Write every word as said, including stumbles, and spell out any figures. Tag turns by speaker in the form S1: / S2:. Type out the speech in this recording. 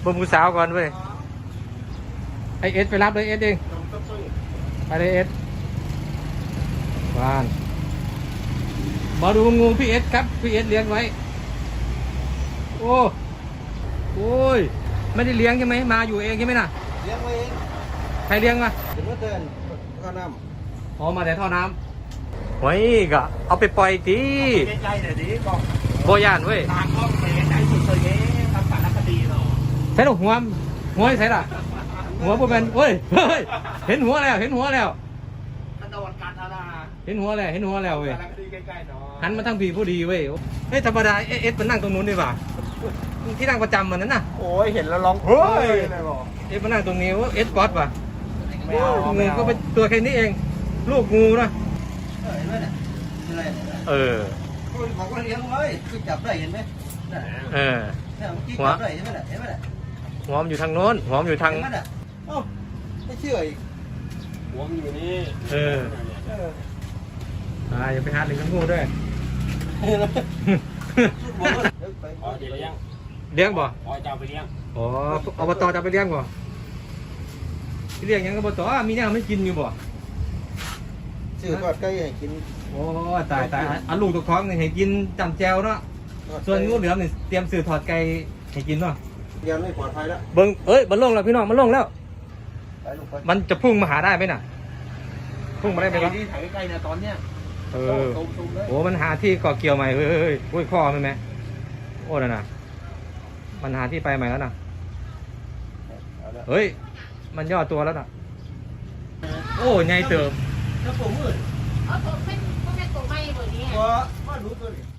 S1: บ่มผู้สาวก่อนเว้ยไอเอสไปรับเลยเอสเองไปเลยเอสวานมาดูงูพี่เอสครับพี่เอสเลี้ยงไว้โอ้โอ้ยไม่ได้เลี้ยงใช่ไหมมาอยู่เองใช่ไหมน่ะ
S2: เลี้ยงไว้เอง
S1: ใครเลี้ยงมา
S2: เดี๋ยวเมื่อเตือนข้าวน้ำ
S1: อ๋อมาแต่ท่อน้ำไว้ก็เอาไปปล่อยที
S2: ใกล้ๆเดี๋ยวนี้บอก
S1: โบยานเว้ย
S2: ทางก็ไปไหนสุดเลยเนี่ยทำสารคดีเนาะ
S1: ใช่หรอหัวหัวใช่หรอหัวโบเป็นเฮ้ยเฮ้ยเห็นหัวแล้วเห็นหัวแล้ว
S2: กระโดดการอาณา
S1: เห็นหัวแล้วเห็นหัวแล้วเว้ย
S2: สารคดีใกล้ๆเนาะ
S1: หันมาทั้งผีผู้ดีเว้ยเฮ้ยธรรมดาเอสมันนั่งตรงนู้นดีกว่าที่นั่งประจำมันนั่นน่ะ
S2: โอ้ยเห็นแล้วร้องเฮ้ยอะไรบอก
S1: เอสมันนั่งตรงนี้ว่าเอสบอสว่ะงูก็เป็นตัวแค่นี้เองลูกงูนะ
S2: เห็นไหมเนี่ยอะไร
S1: เออ
S2: บอกว่าเลี้ยงไว้คือจับได้เห็นไหม
S1: เออ
S2: เนี่ยเมื่อกี้จับได้เห็นไหมเนี่ยเห็นไหมเนี่ย
S1: หัวมันอยู่ทางโน้นหัวมันอยู่ทาง
S2: เห็นไหมเนี่ยเอ้าไม่เชื่ออีกหัวมันอยู่นี่
S1: เอออ่าอย่าไปหาเลี้ยงงูด้วย
S2: อ๋อเดี๋ยวเลี้ยง
S1: เลี้ยงบ่
S2: อ๋อจะเอาไปเลี้ยง
S1: อ๋ออบตจะไปเลี้ยงบ่เลี้ยงยังอบตมีเนี่ยไม่กินอยู่บ่
S2: ซื้อทอดไก่ให้กิน
S1: โอ้ตายตายอันลูกตกท้องนี่ให้กินจำแจวเนาะส่วนงูเหลือมนี่เตรียมซื้อทอดไก่ให้กินเนาะ
S2: ยังไม่ปลอดภัยแล้ว
S1: เบิ้งเอ้ยมันลงแล้วพี่น้องมันลงแล้วมันจะพุ่งมาหาได้ไหมน่ะพุ่งมาได้ไหมครับ
S2: ที่ถ่ายใกล้ๆเนี่ยตอนเนี้ย
S1: เออโอ้มันหาที่เกาะเกี่ยวใหม่เฮ้ยเฮ้ยอุ้ยข้อมันไหมโอ้น่ะนะมันหาที่ไปใหม่แล้วน่ะเฮ้ยมันย่อตัวแล้วน่ะโอ้ไงเติม
S2: แล้วผมมืด
S3: เอาตัวเป็นพวกแม่ตัวไม่เบอร์นี้
S2: ว่าว่ารู้ตัวนี้